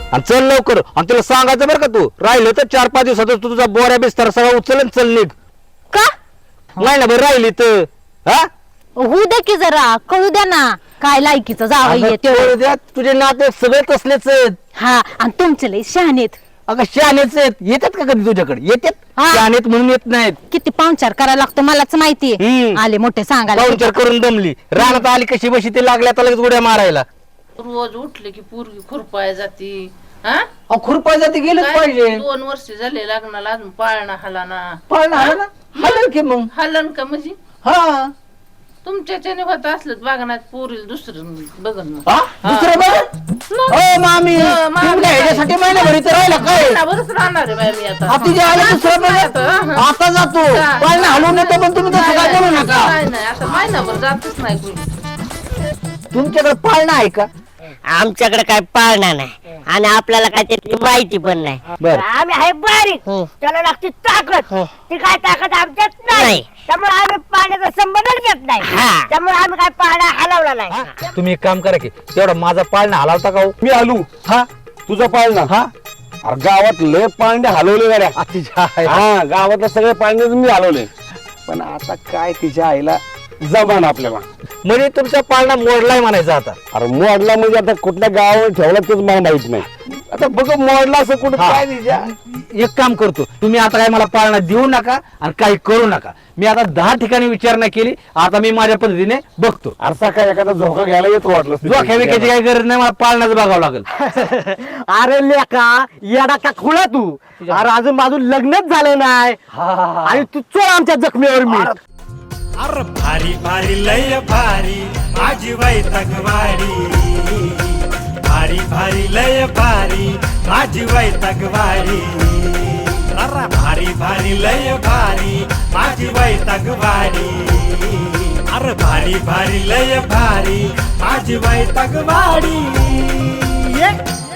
आणि चल लवकर. आणि तुला सांगायचं बरं का, तू राहिलं तर 4-5 दिवसातच तू तुझा बोऱ्या बिस्तार सगळा उचल चल निघ. का महिनाभर राहिली तर हा होऊ दे की जरा कळू द्या ना काय लायकीचं जावं येते. द्या तुझे नाते सगळे तसलेच आहेत. हा आणि तुमचे लय शहाणेत. अगं शहाणेच आहेत. येतात का कधी तुझ्याकडे? येतात. हा. शहाणेत म्हणून येत नाहीत. किती पाहुणचार करायला लागतो मलाच माहितीये. आले मोठे सांगायला. पाहुणचार करून दमली. रानात आली कशी बशी ते लागल्या तर लगेच उड्या मारायला. रोज उठले की पोरगी खुरपाय जाती. हा खुरपा जाती गेलंच काय? पाहिजे. 2 वर्ष झाले लग्नाला अजून पाळणा हलाना. पाळणार ना हलल की मग. हलन का म्हणजे हा तुमच्याच्याने होत असलं बघणार पोरील दुसरं बघन मग. दुसरं बघ. ओ मामी मामी. तुम्ही काय ह्याच्यासाठी महिनाभर इथं राहिला काय? महिनाभरच राहणार आहे बाई मी आता. तिच्या आले दुसरं बघ. आता जातो पाळणा हलवून येतो पण तुम्ही तसं काय करू नका. नाही आता महिनाभर जातच नाही कोणी. तुमच्याकडे पाळणा आहे का? आमच्याकडे काय पाळणा नाही आणि आपल्याला काय त्याची माहिती पण नाही. बरं आम्ही आहे बारीक त्याला लागते ताकद ती काय ताकद आमच्यात नाही त्यामुळे आम्ही पाण्याचा संबंधच घेत नाही हा. त्यामुळे आम्ही काय पाणी हलवला नाही. तुम्ही एक काम करा की तेवढा माझा पाळणा हलावता का हो? मी आलू हा तुझा पाळणा. हा अरे गावात लय पाळणे हलवले गाड्या. तिच्या आईला. हा गावातले सगळे पाळणे मी हलवले पण आता काय तिच्या आईला जमान आपल्याला. म्हणजे तुमचा पाळणा मोडलाय म्हणायचा आता. अरे मोडला म्हणजे आता कुठल्या गावावर ठेवला तेच मला माहित नाही. आता बघ मोडला असं कुठं हा. काय तिच्या. एक काम करतो, तुम्ही आता काय मला पाळणा देऊ नका आणि काही करू नका. मी आता 10 ठिकाणी विचारणा केली. आता मी माझ्या पद्धतीने बघतो. असा काय एखादा झोका घ्यायला येतो वाटलं. जोख्या विकायची काही गरज नाही. मला पाळणाच बघावं लागेल. अरे लेका येडा का खुळा तू. अरे अजून माझं लग्नच झालं नाही आणि तू चोळ आमच्या जखमीवर मी. अरे भारी भारी लय भारी माझी वैतकवाडी. भारी भारी लय भारी माझी वैतकवाडी. अरे भारी भारी लय भारी माझी वैतकवाडी. अरे भारी भारी लय भारी माझी वैतकवाडी.